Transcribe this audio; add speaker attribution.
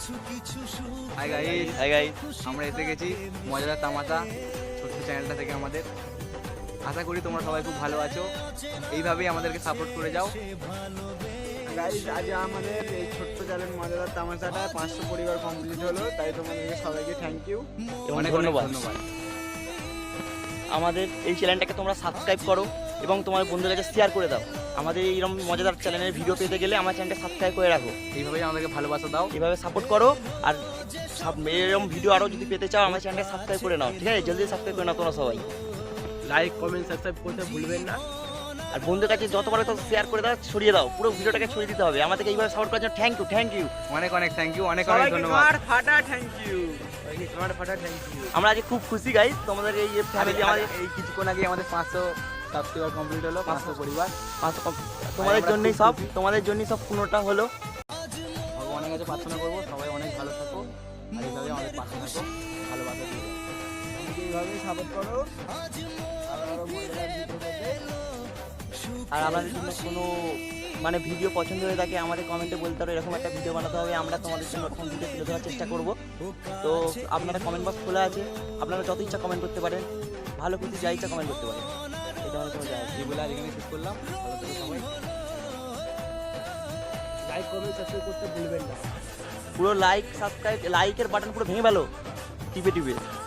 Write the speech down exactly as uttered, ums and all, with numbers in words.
Speaker 1: Hi guys,
Speaker 2: hi guys,
Speaker 1: আমরা এসে গেছি মজাদার তামাশা ছোট্ট চ্যানেলটা থেকে আমাদের। আশা করি তোমরা সবাই খুব ভালো আছো, এইভাবেই আমাদেরকে সাপোর্ট করে যাও।
Speaker 3: গাইস, আজ আমাদের এই ছোট্ট চ্যানেল মজাদার তামাশাটা পাঁচশো পরিবার কমপ্লিট হলো, তাই তোমাদেরকে সবাইকে থ্যাংক ইউ,
Speaker 1: অনেক অনেক ধন্যবাদ।
Speaker 2: আমাদের এই চ্যানেলটাকে তোমরা সাবস্ক্রাইব করো এবং তোমার বন্ধুদের কাছে শেয়ার করে দাও। আমাদের এইরকম মজাদার চ্যানেলের ভিডিও পেতে গেলে আমার চ্যানেলটা সাবস্ক্রাইব করে রাখো।
Speaker 1: এইভাবেই আমাদেরকে ভালোবাসা দাও,
Speaker 2: এইভাবে সাপোর্ট করো। আর সাব- এরকম ভিডিও আরও যদি পেতে চাও আমার চ্যানেলটা সাবস্ক্রাইব করে নাও, ঠিক আছে? জলদি সাবস্ক্রাইব করে নাও তোমরা সবাই।
Speaker 3: লাইক কমেন্ট সাবস্ক্রাইব করতে ভুলবেন না।
Speaker 2: আর বন্ধুদের কাছে যত পারো তত শেয়ার করে দাও, ছড়িয়ে দাও, পুরো ভিডিওটাকে ছড়িয়ে দিতে হবে। আমাদেরকে এইভাবে সাপোর্ট করার জন্য থ্যাংক ইউ, থ্যাংক ইউ।
Speaker 1: অনেক অনেক থ্যাংক ইউ, অনেক অনেক ধন্যবাদ।
Speaker 3: সবাইকে ফাটা থ্যাংক ইউ, সবাইকে ফাটা থ্যাংক ইউ।
Speaker 2: আমরা আজকে খুব খুশি গাইস, তোমাদের এই ফ্যামিলি আমাদের
Speaker 1: এই কিছুক্ষণ আগে আমাদের পাঁচশো সাবস্ক্রাইবার কমপ্লিট হলো, পাঁচশো পরিবার।
Speaker 2: তোমাদের জন্যই সব, তোমাদের জন্যই সব পূর্ণটা হলো।
Speaker 1: ভগবানের কাছে প্রার্থনা করবো সবাই অনেক ভালো থাকো, আর এইভাবে আমাদের পাশে থাকো, ভালোবাসা দিয়ে যাও।
Speaker 3: আমাকে এইভাবেই সাপোর্ট করো। আরো আরো মজাদার ভিডিও পেতে
Speaker 2: আর আমাদের জন্য কোনো মানে ভিডিও পছন্দ হয়ে থাকে আমাদের কমেন্টে বলতে পারো এরকম একটা ভিডিও বানাতে হবে, আমরা তোমাদের জন্য ওরকম ভিডিও তুলে ধরার চেষ্টা করব। তো আপনারা কমেন্ট বক্স খোলা আছে, আপনারা যত ইচ্ছা কমেন্ট করতে পারেন, ভালো কিছু যা ইচ্ছা কমেন্ট করতে পারেন। এটা আমাদের কোনো যায় আসে না।
Speaker 1: এই বলে আজ এখানে শেষ করলাম, ভালো থেকো সবাই।
Speaker 3: লাইক কমেন্ট সাবস্ক্রাইব করতে ভুলবেন না।
Speaker 2: পুরো লাইক সাবস্ক্রাইব লাইকের বাটন পুরো ভেঙে গেল টিপে টিপে।